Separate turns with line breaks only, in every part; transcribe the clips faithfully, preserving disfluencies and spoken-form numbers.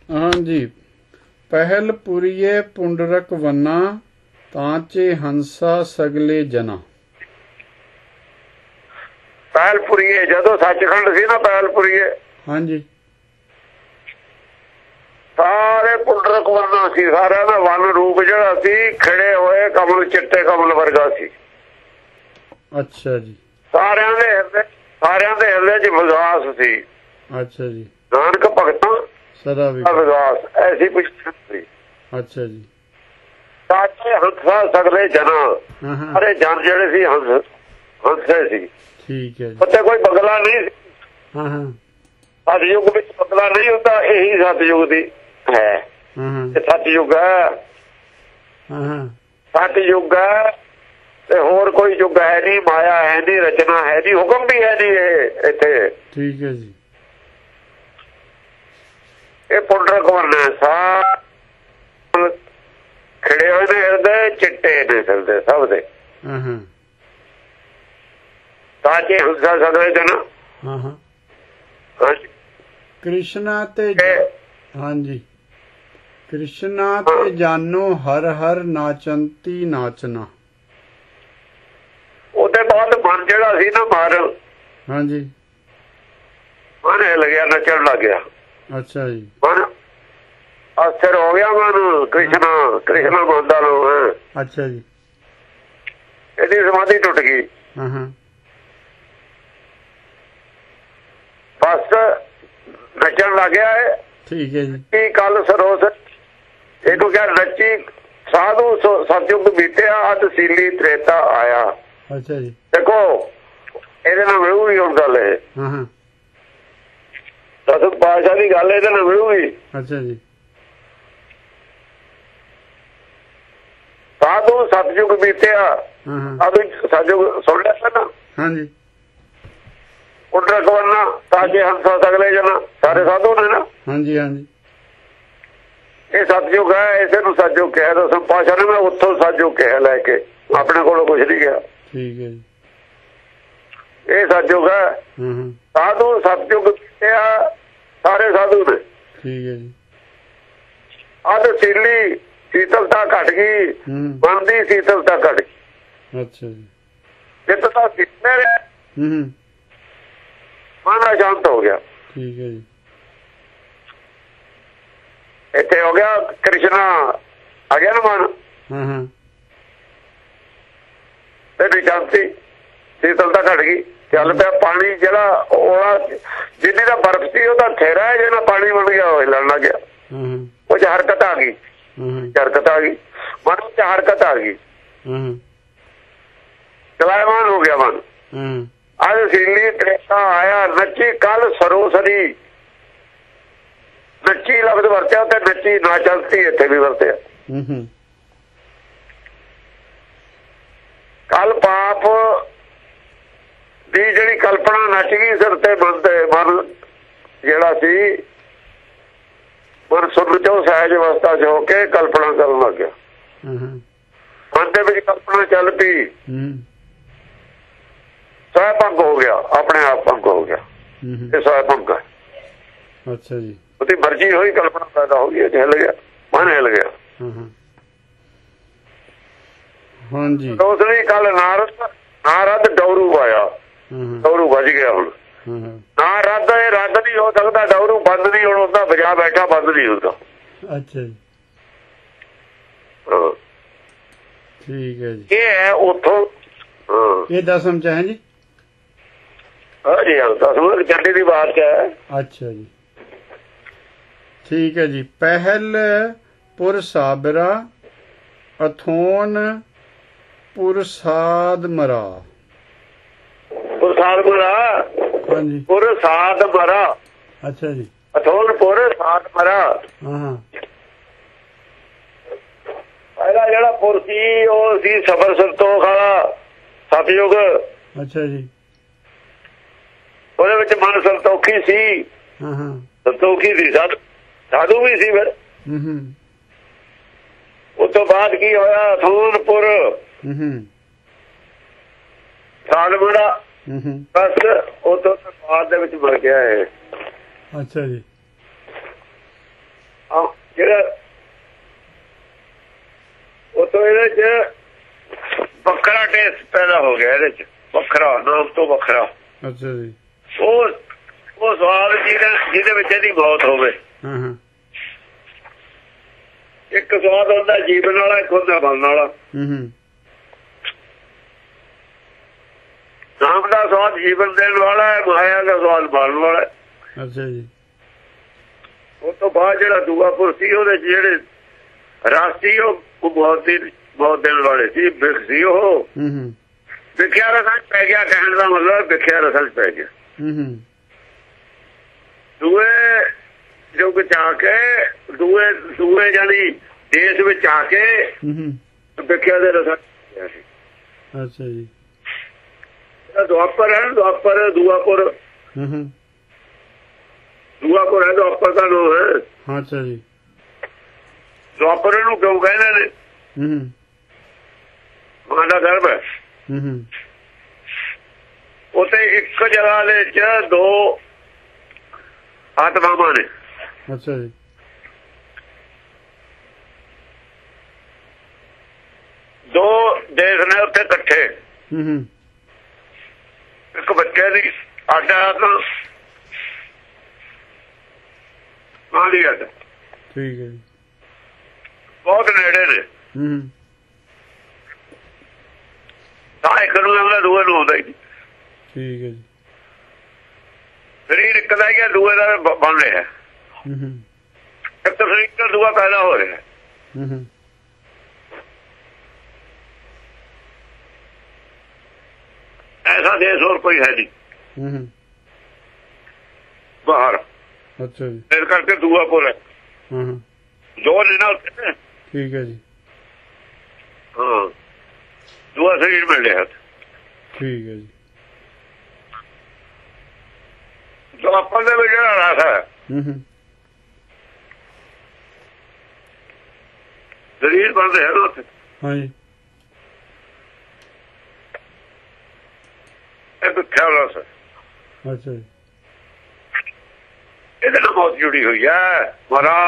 हाँ जी। पहल पुरिये पुंडरक वन्ना तांचे हंसा सगले जना।
ਪਹਿਲਪੁਰੀਏ ਜਦੋਂ ਸੱਚਖੰਡ ਸੀ ਨਾ ਪਹਿਲਪੁਰੀਏ
हाँ जी।
ਸਾਰੇ ਪੁੰਡਰਕ ਵਰਨਾ ਸੀ। ਸਾਰਿਆਂ ਦਾ ਵਨ ਰੂਪ ਜਿਹੜਾ ਸੀ ਖਿੜੇ ਹੋਏ ਕਮਲ ਚਿੱਟੇ ਕਮਲ ਵਰਗਾ ਸੀ।
अच्छा जी।
ਸਾਰਿਆਂ ਦੇ ਹਿਰਦੇ ਸਾਰਿਆਂ ਦੇ ਹਿਰਦੇ 'ਚ ਵਿਸ਼ਵਾਸ ਸੀ।
अच्छा जी।
ਨਾਨਕ ਭਗਤਾਂ
सदा
ਵਿਸ਼ਵਾਸ ਐਸੀ ਪੁੱਛ ਸੀ।
अच्छा जी।
ਸਾਚੇ ਹੰਸਾ ਸਗਲੇ ਜਨਾ
हाँ हाँ
ਸਾਰੇ ਜਨ ਜਿਹੜੇ ਸੀ ਹੰਸ ਹੰਸੇ ਸੀ।
ठीक है जी।
ਉੱਥੇ ਕੋਈ ਬਗਲਾ ਨਹੀਂ ਸੀ।
हाँ हाँ
ਸਤਿਯੁਗ ਵਿੱਚ ਬਗਲਾ ਨਹੀਂ ਹੁੰਦਾ। ਇਹੀ ਸਤਿਯੁਗ ਦੀ ਹੈ।
हाँ हाँ
ਇਹ ਸਤਿਯੁਗ ਹੈ।
हाँ हाँ
ਸਤਿਯੁਗ ਹੈ ਤੇ ਹੋਰ ਕੋਈ ਯੁੱਗ ਹੈ ਨਹੀਂ। ਮਾਇਆ ਹੈ ਨਹੀਂ, ਰਚਨਾ ਹੈ ਨਹੀਂ, ਹੁਕਮ ਵੀ ਹੈ ਨਹੀਂ ਇਹ ਇੱਥੇ।
ठीक है जी।
ਇਹ ਪੁੰਡਰਕ ਵਰਨਾ ਸਾ ਖਿੜੇ ਹੋਏ ਨੇ ਹਿਰਦੇ ਚਿੱਟੇ ਨੇ ਸਿਰਦੇ ਸਭ ਦੇ।
हाँ हाँ
ਤਾਂਚੇ ਹੰਸਾ ਸਗਲੇ ਜਨ।
हाँ हाँ
ਹਾਂਜੀ
कृष्णा ते
ਇਹ
हाँ जी। कृष्णा ते जानो हर हर नाचंती नाचना।
ਉਹਦੇ ਬਾਅਦ ਮਨ ਜਿਹੜਾ ਸੀ ਨਾ ਮਨ
हाँ जी।
ਮਨ ਹਿੱਲ ਗਿਆ, ਨੱਚਣ ਲੱਗ ਗਿਆ।
अच्छा जी।
ਮਨ ਅਸਰ ਹੋ ਗਿਆ ਮਨ। ਕ੍ਰਿਸ਼ਨਾ ਕ੍ਰਿਸ਼ਨਾ ਮੰਨਦਾ ਲੋ ਹੈ।
अच्छा जी।
ਇਹਦੀ ਸਮਾਧੀ ਟੁੱਟ ਗਈ।
हाँ हाँ
ਬਸ ਨੱਚਣ ਲੱਗ ਗਿਆ ਹੈ।
ठीक है जी।
ਕੀ ਕੱਲ ਸਰੋਸ ਇਹਨੂੰ ਕਿਹਾ ਨੱਚੀ ਸਾਧੂ ਸਤਿਯੁਗ ਬੀਤਿਆ ਅਧ ਸੀਲੀ ਤ੍ਰੇਤਾ ਆਇਆ।
अच्छा जी।
ਦੇਖੋ ਇਹਦੇ ਨਾਲ ਮਿਲੂਗੀ ਹੁਣ ਗੱਲ। ਇਹ
हाँ हाँ
ਦਸਮ ਪਾਤਸ਼ਾਹ ਦੀ ਗੱਲ ਇਹਦੇ ਨਾਲ ਮਿਲੂਗੀ।
अच्छा जी।
ਸਾਧੂ ਸਤਿਯੁਗ ਬੀਤਿਆ
हाँ हाँ
ਅਧ ਸਤਿਯੁਗ ਸੁਣ ਲਿਆ ਨਾ।
हाँ जी।
ਪੁੰਡਰਕ ਵਰਨਾ ਤਾਂਚੇ ਹੰਸਾ ਸਗਲੇ ਜਨ ਸਾਰੇ ਸਾਧੂ ਨੇ ਨਾ।
हाँ जी। हाँ जी।
ਇਹ ਸਤਿਯੁਗ ਹੈ। ਇਸੇ ਨੂੰ ਸਤਿਯੁਗ ਕਿਹਾ। ਦਸਮ ਪਾਤਸ਼ਾਹ ਨੇ ਮੈਂ ਉੱਥੋਂ ਸਤਿਯੁਗ ਕਿਹਾ ਲੈ ਕੇ, ਆਪਣੇ ਕੋਲੋਂ ਕੁਛ ਨਹੀਂ ਕਿਹਾ।
ठीक है जी।
ਇਹ ਸਤਿਯੁਗ ਹੈ।
हाँ हाँ
ਸਾਧੂ ਸਤਿਯੁਗ ਬੀਤਿਆ ਸਾਰੇ ਸਾਧੂ ਨੇ।
ठीक है जी।
ਅਧ ਸੀਲੀ ਸੀਤਲਤਾ ਘਟ ਗਈ।
हम्म
ਮਨ ਦੀ ਸੀਤਲਤਾ ਘਟ ਗਈ।
अच्छा जी।
ਜਿੱਤ ਤਾਂ ਸੀਤਲੇ ਰਿਹਾ
हम्म
ਮਨ ਅਸ਼ਾਂਤ ਹੋ ਗਿਆ।
ठीक है जी।
ਇੱਥੇ ਹੋ ਗਿਆ ਕ੍ਰਿਸ਼ਨਾ ਆ ਗਿਆ ਨਾ ਮਨ
हाँ हाँ
ਤੇ ਨਿਸ਼ਾਂਤੀ ਸੀਤਲਤਾ ਘਟ ਗਈ। ਚੱਲ ਪਿਆ ਪਾਣੀ ਜਿਹੜਾ ਉਹ ਜਿੰਨੀ ਦਾ ਬਰਫ਼ ਸੀ ਉਹਦਾ ਥੇਰਾ ਹੈ ਜਿਹੜਾ ਪਾਣੀ ਬਣ ਗਿਆ ਉਹ ਹਿੱਲਣ ਲੱਗ ਗਿਆ।
हाँ हाँ
ਉਹ 'ਚ ਹਰਕਤ ਆ ਗਈ।
हाँ
ਹਰਕਤ ਆ ਗਈ ਮਨ ਵਿੱਚ ਹਰਕਤ ਆ ਗਈ।
हाँ
ਚਲਾਇਮਾਨ ਹੋ ਗਿਆ ਮਨ।
हाँ
ਅੱਜ ਸੀਲੀ ਤ੍ਰੇਤਾ ਆਇਆ। ਨੱਚੀ ਕੱਲ ਸਰੋਸਰੀ ਨੱਚੀ ਲਫ਼ਜ਼ ਵਰਤਿਆ ਤੇ ਨੱਚੀ ਨਾ ਚਲਤੀ ਇੱਥੇ ਵੀ ਵਰਤਿਆ।
हम्म
ਕੱਲ ਪਾਪ ਦੀ ਜਿਹੜੀ ਕਲਪਨਾ ਨੱਚ ਗਈ ਸਿਰ ਤੇ ਮਨ ਤੇ ਮਨ ਜਿਹੜਾ ਸੀ ਮਨ ਸੁਣ ਚੋਂ ਸਹਿਜ ਅਵਸਥਾ 'ਚ ਹੋ ਕੇ ਕਲਪਨਾ ਕਰਨ ਲੱਗ ਗਿਆ। ਮਨ ਦੇ ਵਿੱਚ ਕਲਪਨਾ ਚੱਲ ਪਈ। ਸਹਿ ਭੰਗ ਹੋ ਗਿਆ, ਆਪਣੇ ਆਪ ਭੰਗ ਹੋ ਗਿਆ। ਇਹ ਸਹਿ ਭੰਗ ਹੈ।
ਅੱਛਾ ਜੀ।
ਉਹਦੀ ਮਰਜ਼ੀ ਹੋਈ ਕਲਪਨਾ ਪੈਦਾ ਹੋ ਗਈ, ਹਿੱਲ ਗਿਆ, ਮਨ ਹਿੱਲ ਗਿਆ।
ਹਾਂਜੀ।
ਦੂਸਰੀ ਕੱਲ ਨਾਰਦ ਨਾਰਦ ਡੌਰੂ ਆਇਆ। ਡੌਰੂ ਵੱਜ ਗਿਆ। ਹੁਣ ਨਾ ਰੱਦ ਇਹ ਰੱਦ ਨਹੀਂ ਹੋ ਸਕਦਾ। ਡੌਰੂ ਬੰਦ ਨਹੀਂ ਹੁਣ ਹੁੰਦਾ, ਵਜਾ ਬੈਠਾ ਬੰਦ ਨਹੀਂ ਹੁੰਦਾ।
ਅੱਛਾ ਜੀ। ਠੀਕ ਹੈ ਜੀ।
ਇਹ ਹੈ ਉੱਥੋਂ
ਇਹ ਦਸਮ ਚ ਹੈ ਜੀ।
ਹਾਂਜੀ ਹਾਂ, ਦਸਮ ਚੰਡੀ ਦੀ ਬਾਤ ਚ ਹੈ।
ਅੱਛਾ ਜੀ, ਠੀਕ ਹੈ ਜੀ। ਪਹਿਲ ਪੁਰ ਸਾਬਰਾ ਅਥੋਨ ਪੁਰਸਾਦ ਮਰਾ।
ਪੁਰਸਾਦ ਮਰਾ। ਹਾਂਜੀ। ਪੁਰਸਾਦ ਮਰਾ।
ਅੱਛਾ ਜੀ।
ਅਥੋਨ ਪੁਰਸਾਦ ਮਰਾ।
ਹਾਂ ਹਾਂ।
ਪਹਿਲਾ ਜਿਹੜਾ ਪੁਰ ਸੀ ਉਹ ਸੀ ਸਬਰ ਸੰਤੋਖ ਵਾਲਾ ਸਤਿਯੁਗ। ਅੱਛਾ ਜੀ। ਉਹਦੇ ਵਿੱਚ ਮਨ ਸੰਤੋਖੀ ਸੀ। ਹਾਂ ਹਾਂ। ਸੰਤੋਖੀ ਸੀ, ਸਾਧੂ ਸਾਧੂ ਵੀ ਸੀ ਫਿਰ। ਹੂੰ ਹੂੰ। ਉਸ ਤੋਂ ਬਾਅਦ ਕੀ ਹੋਇਆ? ਅਥੋਨਪੁਰ ਸਾਲਮੜਾ। ਬਸ ਉਹ ਤੋਂ ਬਾਅਦ ਦੇ ਵਿੱਚ ਮਰ ਗਿਆ ਇਹ। ਅੱਛਾ ਜੀ। ਆਹ ਜਿਹੜਾ ਉਹ ਤੋਂ ਇਹਦੇ ਚ ਵੱਖਰਾ ਟੇਸਟ ਪੈਦਾ ਹੋ ਗਿਆ, ਇਹਦੇ ਚ ਵੱਖਰਾ, ਨਾਮ ਤੋਂ ਵੱਖਰਾ।
ਅੱਛਾ ਜੀ।
ਉਹ ਉਹ ਸਵਾਦ ਜਿਹਦੇ ਜਿਹਦੇ ਵਿੱਚ ਇਹਦੀ ਮੌਤ ਹੋਵੇ।
ਹਾਂ ਹਾਂ।
ਇੱਕ ਸਵਾਦ ਹੁੰਦਾ ਜੀਵਨ ਵਾਲਾ, ਇੱਕ ਹੁੰਦਾ ਬਣਨ ਵਾਲਾ।
ਹੂੰ ਹੂੰ।
ਨਾਮ ਦਾ ਸਵਾਦ ਜੀਵਨ ਦੇਣ ਵਾਲਾ ਹੈ, ਮਾਇਆ ਦਾ ਸਵਾਦ ਬਣਨ ਵਾਲਾ।
ਅੱਛਾ ਜੀ।
ਉਹ ਤੋਂ ਬਾਅਦ ਜਿਹੜਾ ਦੂਆ ਪੁਰ ਸੀ ਉਹਦੇ ਜਿਹੜੇ ਰਸ ਸੀ ਉਹ ਬਹੁਤ ਦੀ ਬਹੁਤ ਦੇਣ ਵਾਲੇ ਸੀ, ਵਿਖ ਸੀ ਉਹ।
ਹੂੰ ਹੂੰ।
ਵਿਖਿਆ ਰਸਾਂ ਚ ਪੈ ਗਿਆ, ਕਹਿਣ ਦਾ ਮਤਲਬ ਵਿਖਿਆ ਰਸਾਂ ਚ ਪੈ ਗਿਆ।
ਹੂੰ ਹੂੰ।
ਦੂਏ ਯੁੱਗ ਚ ਆ ਕੇ, ਦੂਏ ਦੂਏ ਜਾਨੀ ਦੇਸ਼ ਵਿੱਚ ਆ ਕੇ ਵਿਖਿਆ ਦੇ ਰਸਾਂ ਚ ਸੀ।
ਅੱਛਾ ਜੀ।
ਦੁਆਪਰ ਹੈ, ਦੁਆਪਰ ਦੂਆਪੁਰ।
ਹੂੰ ਹੂੰ।
ਦੂਆਪੁਰ ਹੈ, ਦੁਆਪਰ ਦਾ ਨਾਮ ਹੈ।
ਹਾਂ। ਅੱਛਾ ਜੀ।
ਦੁਆਪਰ ਨੂੰ ਕਿਉਂ ਕਹਿੰਦੇ ਨੇ?
ਹੂੰ ਹੂੰ।
ਮਾਂ ਦਾ ਗਰਭ ਹੈ।
ਹੂੰ ਹੂੰ।
ਉੱਥੇ ਇੱਕ ਜਗ੍ਹਾ ਦੇ ਚ ਦੋ ਆਤਮਾਵਾਂ ਨੇ।
ਅੱਛਾ ਜੀ।
ਦੋ ਦੇਸ਼ ਨੇ ਉੱਥੇ ਇਕੱਠੇ।
ਹੂੰ ਹੂੰ।
ਇੱਕ ਬੱਚੇ ਦੀ ਅੱਡ ਆਤਮਾ, ਮਾਂ ਦੀ ਅੱਡ।
ਠੀਕ ਹੈ ਜੀ।
ਬਹੁਤ ਨੇੜੇ ਨੇ।
ਹੂੰ।
ਤਾਂ ਇੱਕ ਨੂੰ ਆਉਂਦਾ, ਦੂਏ ਨੂੰ ਆਉਂਦਾ ਹੀ ਨਹੀਂ।
ਠੀਕ ਹੈ ਜੀ।
ਸਰੀਰ ਇੱਕ ਦਾ ਹੀ ਹੈ, ਦੂਏ ਦਾ ਬਣ ਰਿਹਾ।
ਹੂੰ ਹੂੰ।
ਇੱਕ ਸਰੀਰ ਦਾ ਦੂਆ ਪੈਦਾ ਹੋ ਰਿਹਾ।
ਹੂੰ ਹੂੰ।
ਐਸਾ ਦੇਸ਼ ਹੋਰ ਕੋਈ ਹੈ ਨਹੀਂ
ਹੂੰ ਹੂੰ।
ਬਾਹਰ।
ਅੱਛਾ ਜੀ।
ਇਸ ਕਰਕੇ ਦੂਆ ਪੁਰ ਹੈ।
ਹਾਂ ਹਾਂ।
ਦੋ ਨੇ ਨਾ ਉੱਥੇ।
ਠੀਕ ਹੈ ਜੀ।
ਹਾਂ, ਦੂਆ ਸਰੀਰ ਮਿਲ ਰਿਹਾ।
ਠੀਕ ਹੈ ਜੀ।
ਦੁਆਪਰ ਦੇ ਵਿੱਚ ਜਿਹੜਾ ਰਸ ਹੈ,
ਹੂੰ ਹੂੰ।
ਸਰੀਰ ਬਣਦੇ ਹੈ ਨਾ ਉੱਥੇ।
ਹਾਂ ਜੀ।
ਇਹ ਵਿਖਿਆ ਰਸ ਹੈ।
ਅੱਛਾ ਜੀ।
ਇਹਦੇ ਨਾਲ ਮੌਤ ਜੁੜੀ ਹੋਈ ਹੈ, ਮਰਾ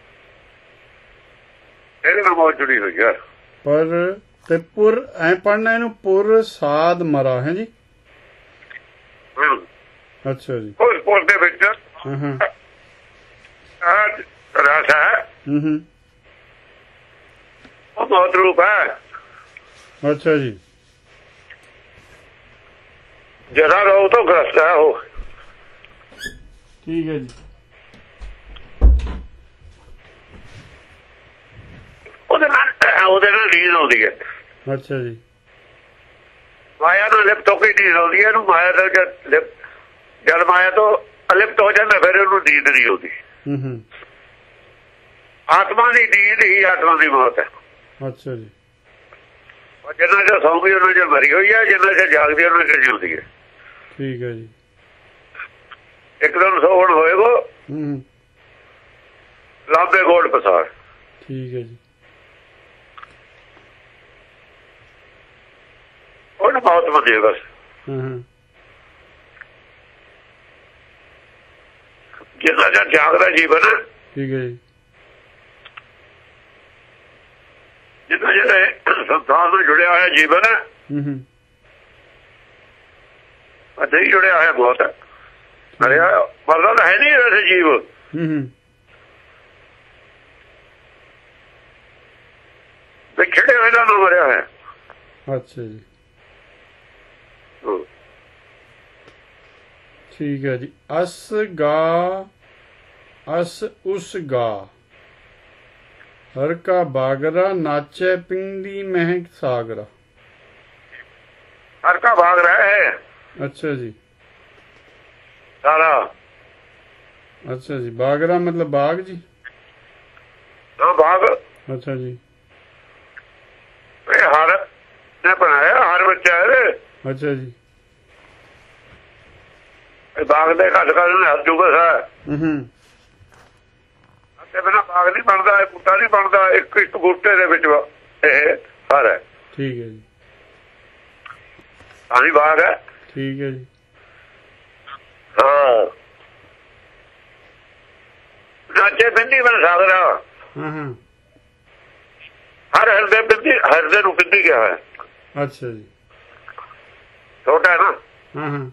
ਇਹਦੇ ਨਾਲ ਮੌਤ ਜੁੜੀ ਹੋਈ ਹੈ।
ਪਰ ਤੇ ਪੁਰ ਐ ਪੜਨਾ ਇਹਨੂੰ, ਪੁਰ ਸਾਧ ਮਰਾ ਹੈ ਜੀ।
ਹਾਂ।
ਅੱਛਾ ਜੀ।
ਉਸ ਪੁਰ ਦੇ ਵਿੱਚ
ਹਾਂ ਹਾਂ।
ਰਸ ਹੈ।
ਹੂੰ ਹੂੰ।
ਉਹ ਮੌਤ ਰੂਪ ਹੈ।
ਅੱਛਾ ਜੀ।
ਜਰਾ ਰੋ ਤੋਂ ਗ੍ਰਸਤ ਹੈ ਉਹ।
ਠੀਕ ਹੈ ਜੀ।
ਉਹਦੇ ਨਾਲ ਉਹਦੇ ਨਾਲ ਨੀਂਦ ਆਉਂਦੀ ਹੈ।
ਅੱਛਾ ਜੀ।
ਮਾਇਆ ਨੂੰ ਲਿਪਤ ਹੋ ਕੇ ਨੀਂਦ ਆਉਂਦੀ ਹੈ। ਇਹਨੂੰ ਮਾਇਆ ਦਾ ਜਦ ਜਦ ਮਾਇਆ ਤੋਂ ਅਲਿਪਤ ਹੋ ਜਾਂਦਾ, ਫਿਰ ਉਹਨੂੰ ਨੀਂਦ ਨਹੀਂ ਆਉਂਦੀ।
ਹੂੰ ਹੂੰ।
ਆਤਮਾ ਦੀ ਨੀਂਦ ਹੀ ਆਤਮਾ ਦੀ ਮੌਤ ਹੈ।
ਅੱਛਾ ਜੀ।
ਜਿੰਨਾ ਚਿਰ ਸੌਂਗੀ ਉਹਨਾਂ ਚਿਰ ਮਰੀ ਹੋਈ ਹੈ, ਜਿੰਨਾ ਚਿਰ ਜਾਗਦੀ ਉਹਨਾਂ ਚਿਰ ਜਿਉਂਦੀ ਹੈ।
ਠੀਕ ਹੈ ਜੀ।
ਇੱਕ ਦਿਨ ਸੌਣ ਹੋਏਗਾ,
ਹੂੰ।
ਲਾਂਬੇ ਗੋਲ ਪਸਾਰ।
ਠੀਕ ਹੈ ਜੀ।
ਉਹਨੂੰ ਮੌਤ ਮੰਨੇ ਬਸ।
ਹਾਂ ਹਾਂ।
ਜਿੰਨਾ ਚਿਰ ਜਾਗਦਾ ਜੀਵਨ,
ਠੀਕ ਹੈ ਜੀ।
ਜਿੰਨਾ ਜਿਹੜੇ ਸੰਸਾਰ ਨਾਲ ਜੁੜਿਆ ਹੋਇਆ ਜੀਵਨ ਹੈ,
ਹੂੰ ਹੂੰ।
ਨਹੀਂ ਜੁੜਿਆ ਹੋਇਆ ਬਹੁਤ ਹੈ। ਮਰਿਆ ਮਰਦਾ ਤਾਂ ਹੈ ਨਹੀਂ ਵੈਸੇ ਜੀਵ।
ਹੂੰ ਹੂੰ।
ਵਿਛੜੇ ਹੋਏ ਦਾ ਨਾ ਮਰਿਆ ਹੈ।
ਅੱਛਾ ਜੀ। ਠੀਕ ਹੈ ਜੀ। ਅਸ ਗਾ ਅਸ ਉਸ ਗਾ ਹਰ ਕਾ ਬਾਗਰਾ ਨਾਚੈ ਪਿੰਡੀ ਮਹਿਕ ਸਾਗਰਾ।
ਹਰ ਕਾ ਬਾਗ ਰਹਾ ਹੈ।
ਅੱਛਾ ਜੀ।
ਸਾਰਾ।
ਅੱਛਾ ਜੀ। ਬਾਗਰਾ ਮਤਲਬ ਬਾਗ ਜੀ।
ਹਾਂ, ਬਾਗ।
ਅੱਛਾ ਜੀ।
ਇਹ ਹਰ ਨੇ ਬਣਾਇਆ, ਹਰ ਬੱਚਾ ਹੈ।
ਅੱਛਾ ਜੀ।
ਇਹ ਬਾਗ ਦੇ ਘੱਟ ਘੱਟ ਨੇ ਹੱਥ ਜੁਗਾ ਸਾ।
ਹੂੰ ਹੂੰ।
ਤੇ ਬਿਨਾਂ ਬਾਗ ਨਹੀਂ ਬਣਦਾ, ਇਹ ਬੂਟਾ ਨਹੀਂ ਬਣਦਾ। ਇੱਕ ਇੱਕ ਬੂਟੇ ਦੇ ਵਿੱਚ ਇਹ ਹਰ ਹੈ।
ਠੀਕ ਹੈ ਜੀ।
ਆਹੀ ਬਾਗ ਹੈ।
ਠੀਕ ਹੈ ਜੀ।
ਹਾਂ। ਨਾਚੇ ਬਿੰਦੀ ਮੈਂ ਸਾਗਰਾ।
ਹਾਂ ਹਾਂ
ਹਰ ਹਿਰਦੇ ਬਿੰਦੀ, ਹਿਰਦੇ ਨੂੰ ਬਿੰਦੀ ਕਿਹਾ ਹੋਇਆ।
ਅੱਛਾ ਜੀ,
ਛੋਟਾ ਹੈ ਨਾ।
ਹਾਂ ਹਾਂ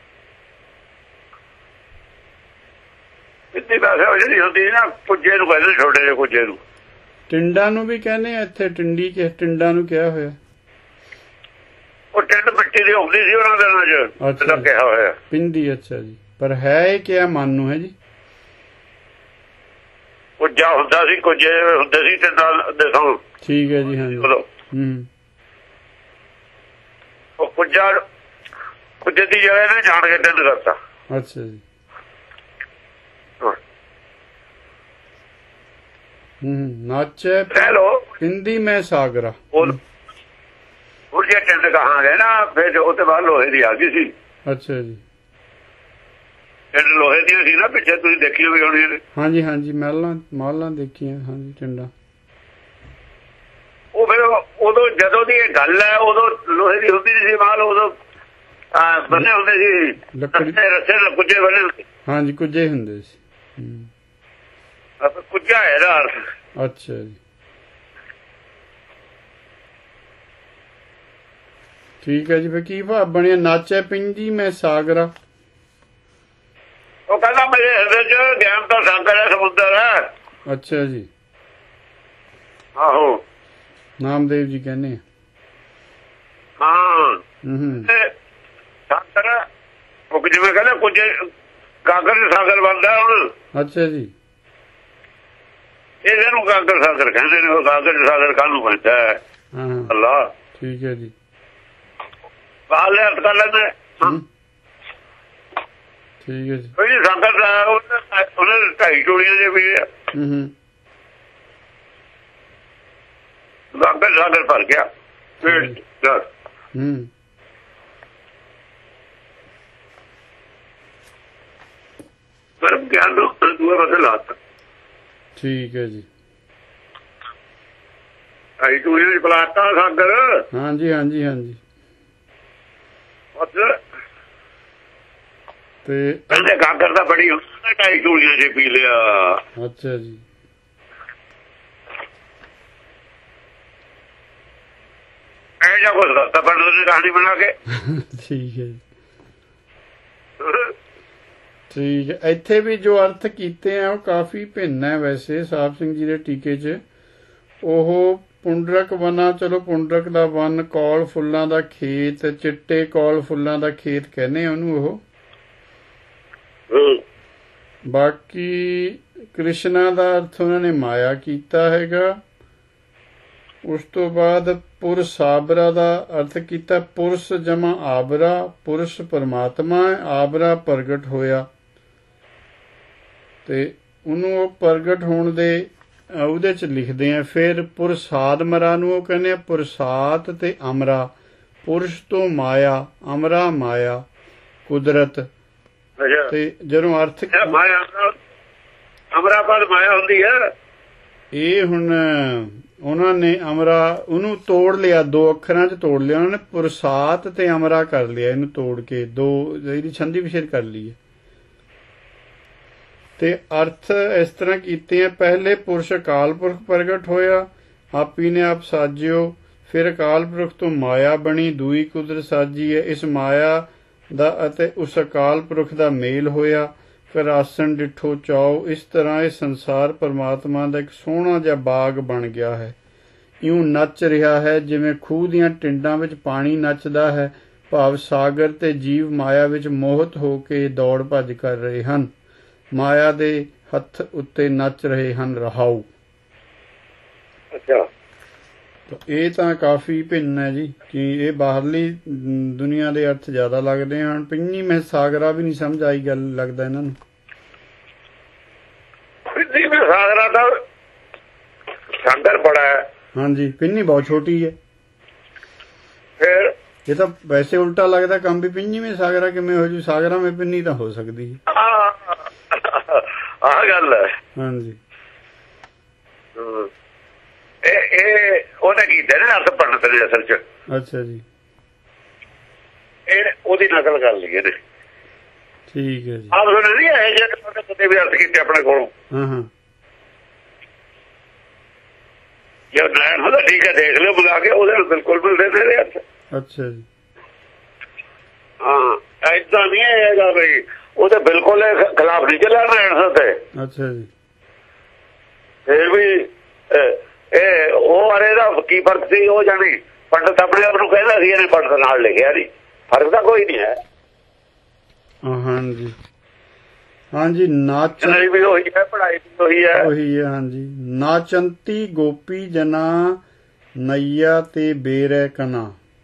ਬਿੰਦੀ ਵੈਸੇ ਉਹ ਜਿਹੜੀ ਹੁੰਦੀ ਨਾ ਕੁੱਜੇ ਨੂੰ ਕਹਿੰਦੇ, ਛੋਟੇ ਜਿਹੇ ਕੁੱਜੇ ਨੂੰ।
ਟਿੰਡਾਂ ਨੂੰ ਵੀ ਕਹਿੰਦੇ ਆ ਇੱਥੇ, ਟਿੰਡੀ ਚ ਟਿੰਡਾਂ ਨੂੰ ਕਿਹਾ ਹੋਇਆ।
ਉਹ ਟਿੰਡ ਮਿੱਟੀ ਦੀ ਹੁੰਦੀ ਸੀ ਉਹਨਾਂ ਦਿਨਾਂ ਚ,
ਅੱਛਾ
ਕਿਹਾ ਹੋਇਆ
ਪਿੰਡੀ। ਅੱਛਾ ਜੀ, ਪਰ ਹੈ ਇਹ ਕਿਹਾ ਮਨ ਨੂੰ ਹੈ ਜੀ।
ਕੁੱਜਾ ਹੁੰਦਾ ਸੀ, ਕੁੱਜੇ ਹੁੰਦੇ ਸੀ ਟਿੰਡਾਂ ਦੇ ਥਾਂ।
ਠੀਕ ਹੈ ਜੀ, ਹਾਂਜੀ। ਹੂੰ
ਉਹ ਕੁੱਜਾ ਕੁੱਜੇ ਦੀ ਜਗ੍ਹਾ ਨੇ ਜਾਣ ਕੇ ਟਿੰਡ ਕਰਤਾ।
ਅੱਛਾ ਜੀ, ਹੂੰ ਨਾਚੇ ਪਿੰਦੀ ਮੈਂ ਸਾਗਰਾ।
ਹੁਣ ਜੇ ਟਿੰਡ ਕਹਾਂਗੇ ਨਾ ਫਿਰ ਉਹਦੇ ਬਾਅਦ ਲੋਹੇ ਦੀ ਆ ਗਈ ਸੀ।
ਅੱਛਾ ਜੀ,
ਟਿੰਡ ਲੋਹੇ ਦੀਆਂ ਸੀ ਨਾ ਪਿੱਛੇ, ਤੁਸੀਂ ਦੇਖੀ ਹੋਈ ਹੋਣੀ ਨੇ।
ਹਾਂਜੀ ਹਾਂਜੀ ਮਹਿਲਾਂ ਮਾਲਾਂ ਦੇਖੀਆਂ, ਹਾਂਜੀ ਟਿੰਡਾਂ।
ਉਹ ਫਿਰ ਉਦੋਂ ਜਦੋਂ ਦੀ ਇਹ ਗੱਲ ਹੈ, ਉਦੋਂ ਲੋਹੇ ਦੀ ਹੁੰਦੀ ਸੀ ਮਾਲ, ਉਦੋਂ ਬੰਨੇ ਹੁੰਦੇ ਸੀ ਲੱਕੜੀ ਰੱਸੇ ਨਾਲ, ਕੁੱਜੇ ਬੰਨੇ ਹੁੰਦੇ। ਹਾਂਜੀ
ਕੁੱਜੇ ਹੁੰਦੇ ਸੀ।
ਕੁੱਜਾ ਹੈ ਇਹਦਾ ਅਰਥ।
ਅੱਛਾ ਜੀ, ਠੀਕ ਹੈ ਜੀ। ਫਿਰ ਕੀ ਭਾਵ ਬਣਿਆ? ਨਾਚੇ ਪਿੰਦੀ ਮੈਂ ਸਾਗਰਾ।
ਉਹ ਕਹਿੰਦਾ ਮੇਰੇ ਹਿਰਦੇ ਚ ਗਿਆਨ ਦਾ ਸਾਗਰ ਹੈ, ਸਮੁੰਦਰ ਹੈ।
ਅੱਛਾ ਜੀ,
ਆਹੋ
ਨਾਮਦੇਵ ਜੀ ਕਹਿੰਦੇ
ਹਾਂ।
ਹੂੰ
ਸਾਗਰ ਉਹ ਜਿਵੇਂ ਕਹਿੰਦੇ ਕੁੱਜੇ ਗਾਗਰ ਸਾਗਰ ਬਣਦਾ ਹੁਣ।
ਅੱਛਾ ਜੀ,
ਇਹਦੇ ਨੂੰ ਗਾਗਰ ਸਾਗਰ ਕਹਿੰਦੇ ਨੇ। ਉਹ ਗਾਗਰ ਸਾਗਰ ਕਾਹਨੂੰ ਬਣਦਾ ਹੈ? ਅੱਲਾ।
ਠੀਕ ਹੈ ਜੀ,
ਬਾਹਰ ਅਰਥ ਕਰ ਲੈਂਦੇ।
ਠੀਕ ਹੈ ਜੀ।
ਕੋਈ ਸਾਗਰ ਉਹਨੇ ਢਾਈ ਟੋਲੀਆਂ ਦੇ ਵੀ
ਹੂੰ
ਗਾਗਰ ਸਾਗਰ ਭਰ ਗਿਆ।
ਹੂੰ
ਪਰਮ ਗਿਆਨ ਨੂੰ ਦੂਏ ਪਾਸੇ ਲਾਤਾ। ਠੀਕ
ਹੈ ਜੀ,
ਢਾਈ ਟੋਲੀਆਂ ਚ ਪਲਾਤਾ ਸਾਗਰ।
ਹਾਂਜੀ ਹਾਂਜੀ ਹਾਂਜੀ। ਤੇ
ਕਹਿੰਦੇ ਗਾਗਰ ਦਾ ਬੜੀ ਹੁੰਦਾ, ਢਾਈ ਟੋਲੀਆਂ ਚ ਪੀ ਲਿਆ।
ਅੱਛਾ ਜੀ,
ਇਹ ਜਾਂ ਕੁਛ ਕਰਤਾ ਪੰਡਤ ਨੇ ਕਹਾਣੀ ਬਣਾ ਕੇ।
ਠੀਕ ਹੈ ਜੀ, ਠੀਕ ਹੈ। ਇੱਥੇ ਵੀ ਜੋ ਅਰਥ ਕੀਤੇ ਆ ਉਹ ਕਾਫੀ ਭਿੰਨ ਹੈ ਵੈਸੇ ਸਾਹਿਬ ਸਿੰਘ ਜੀ ਦੇ ਟੀਕੇ 'ਚ। ਉਹ ਪੁੰਡਰਕ ਵਨਾ, ਚਲੋ ਪੁੰਡਰਕ ਦਾ ਵਨ, ਕੌਲ ਫੁੱਲਾਂ ਦਾ ਖੇਤ, ਚਿੱਟੇ ਕੌਲ ਫੁੱਲਾਂ ਦਾ ਖੇਤ ਕਹਿੰਦੇ ਉਹਨੂੰ ਉਹ। ਬਾਕੀ ਕ੍ਰਿਸ਼ਨਾ ਦਾ ਅਰਥ ਉਹਨਾਂ ਨੇ ਮਾਇਆ ਕੀਤਾ ਹੈਗਾ। ਉਸ ਤੋਂ ਬਾਅਦ ਪੁਰ ਸਾਬਰਾ ਦਾ ਅਰਥ ਕੀਤਾ ਪੁਰਸ਼ ਜਮਾ ਆਬਰਾ, ਪੁਰਸ਼ ਪਰਮਾਤਮਾ, ਆਬਰਾ ਪ੍ਰਗਟ ਹੋਇਆ। ਤੇ ਉਹਨੂੰ ਉਹ ਪ੍ਰਗਟ ਹੋਣ ਦੇ ਉਹਦੇ ਚ ਲਿਖਦੇ ਆ। ਫਿਰ ਪੁਰਸਾਦ ਮਰਾ ਨੂੰ ਉਹ ਕਹਿੰਦੇ ਆ ਪੁਰਸਾਤ ਤੇ ਅਮਰਾ, ਪੁਰਸ਼ ਤੋਂ ਮਾਇਆ, ਅਮਰਾ ਮਾਇਆ ਕੁਦਰਤ। ਤੇ ਜਦੋਂ ਅਰਥ
ਅਮਰਾ ਪਦ ਮਾਇਆ ਹੁੰਦੀ ਹੈ।
ਇਹ ਹੁਣ ਉਹਨਾਂ ਨੇ ਅਮਰਾ ਉਹਨੂੰ ਤੋੜ ਲਿਆ, ਦੋ ਅੱਖਰਾਂ ਚ ਤੋੜ ਲਿਆ ਉਹਨਾਂ ਨੇ, ਪੁਰਸਾਤ ਤੇ ਅਮਰਾ ਕਰ ਲਿਆ ਇਹਨੂੰ ਤੋੜ ਕੇ, ਦੋ ਇਹਦੀ ਛੰਦੀ ਵਿਛੇਦ ਕਰ ਲਈ ਹੈ। ਤੇ ਅਰਥ ਇਸ ਤਰ੍ਹਾਂ ਕੀਤੇ ਆ। ਪਹਿਲੇ ਪੁਰਸ਼ ਅਕਾਲ ਪੁਰਖ ਪ੍ਰਗਟ ਹੋਇਆ, ਆਪੀ ਨੇ ਆਪ ਸਾਜਿਓ। ਫਿਰ ਅਕਾਲ ਪੁਰਖ ਤੋਂ ਮਾਇਆ ਬਣੀ, ਦੂਈ ਕੁਦਰਤ ਸਾਜੀ ਹੈ। ਇਸ ਮਾਇਆ ਦਾ ਅਤੇ ਉਸ ਅਕਾਲ ਪੁਰਖ ਦਾ ਮੇਲ ਹੋਇਆ, ਫਿਰ ਆਸਣ ਡਿੱਠੋ ਚਾਓ। ਇਸ ਤਰ੍ਹਾਂ ਇਹ ਸੰਸਾਰ ਪਰਮਾਤਮਾ ਦਾ ਇੱਕ ਸੋਹਣਾ ਜਿਹਾ ਬਾਗ ਬਣ ਗਿਆ ਹੈ। ਇਉਂ ਨੱਚ ਰਿਹਾ ਹੈ ਜਿਵੇਂ ਖੂਹ ਦੀਆਂ ਟਿੰਡਾਂ ਵਿੱਚ ਪਾਣੀ ਨੱਚਦਾ ਹੈ। ਭਾਵ ਸਾਗਰ ਤੇ ਜੀਵ ਮਾਇਆ ਵਿੱਚ ਮੋਹਿਤ ਹੋ ਕੇ ਦੌੜ ਭੱਜ ਕਰ ਰਹੇ ਹਨ, ਮਾਇਆ ਦੇ ਹੱਥ ਉੱਤੇ ਨੱਚ ਰਹੇ ਹਨ ਰਹਾਉ।
ਅੱਛਾ,
ਇਹ ਤਾਂ ਕਾਫੀ ਭਿੰਨ ਹੈ ਜੀ, ਕਿ ਇਹ ਬਾਹਰਲੀ ਦੁਨੀਆ ਦੇ ਅਰਥ ਜ਼ਿਆਦਾ ਲੱਗਦੇ ਹਨ। ਪਿੰਨੀ ਮੈਂ ਸਾਗਰਾ ਵੀ ਨਹੀਂ ਸਮਝ ਆਈ ਗੱਲ, ਲੱਗਦਾ ਇਹਨਾਂ ਨੂੰ।
ਪਿੰਨੀ ਮੈਂ ਸਾਗਰਾ ਦਾ ਸਾਗਰ ਬੜਾ ਹੈ।
ਹਾਂਜੀ, ਪਿੰਨੀ ਬਹੁਤ ਛੋਟੀ ਹੈ।
ਫਿਰ
ਇਹ ਤਾਂ ਵੈਸੇ ਉਲਟਾ ਲੱਗਦਾ ਕੰਮ ਵੀ, ਪਿੰਨੀ ਮੈਂ ਸਾਗਰਾ ਕਿਵੇਂ ਹੋ ਜੂ? ਸਾਗਰਾ ਮੈਂ ਪਿੰਨੀ ਤਾਂ ਹੋ ਸਕਦੀ ਹੈ।
ਆਹ ਗੱਲ ਹੈ।
ਹਾਂਜੀ,
ਇਹ ਇਹ ਉਹਨੇ ਕੀਤਾ ਨਾ ਅਰਥ ਪੰਡਤ ਨੇ ਅਸਲ ਚ।
ਅੱਛਾ ਜੀ,
ਇਹ ਉਹਦੀ ਨਕਲ ਕਰ ਲਈ ਇਹਨੇ।
ਠੀਕ ਹੈ ਜੀ।
ਆਪ ਸੁਣੇ ਨਹੀਂ ਇਹ ਜਿਹੜੇ ਕਦੇ ਵੀ ਅਰਥ ਕੀਤੇ ਆਪਣੇ ਕੋਲੋਂ।
ਹਾਂ ਹਾਂ,
ਜੇ ਨੈਣ ਹੁੰਦਾ ਠੀਕ ਹੈ, ਦੇਖ ਲਿਓ ਬੁਲਾ ਕੇ, ਉਹਦੇ ਨਾਲ ਬਿਲਕੁਲ ਮਿਲਦੇ ਤੇਰੇ ਹੱਥ।
ਅੱਛਾ ਜੀ।
ਹਾਂ ਏਦਾਂ ਨਹੀਂ ਹੈਗਾ ਬਈ ਉਹਦੇ ਬਿਲਕੁਲ ਖਿਲਾਫ ਨਹੀਂ ਚੱਲਿਆ ਨੈਣ ਤੇ।
ਅੱਛਾ ਜੀ।
ਫਿਰ ਵੀ ਇਹ ਉਹ ਅਰੇ ਦਾ ਕੀ ਫਰਕ ਸੀ? ਉਹ ਜਾਣੀ ਪੰਡਤ ਆਪਣੇ ਆਪ ਨੂੰ ਕਹਿੰਦਾ ਸੀ ਇਹਨੇ ਪੰਡਤ ਨਾਲ ਲਿਖਿਆ ਨਹੀਂ, ਫਰਕ ਤਾਂ ਕੋਈ ਨਹੀਂ ਹੈ।
ਹਾਂਜੀ ਹਾਂਜੀ। ਨਾਚ
ਵੀ ਉਹੀ ਹੈ, ਪੜ੍ਹਾਈ ਵੀ ਉਹੀ ਹੈ
ਉਹੀ ਹੈ। ਹਾਂਜੀ। ਨਾਚੰਤੀ ਗੋਪੀ ਜਨਾ ਨਈਆ ਤੇ ਬੇਰੈ ਕਨਾ।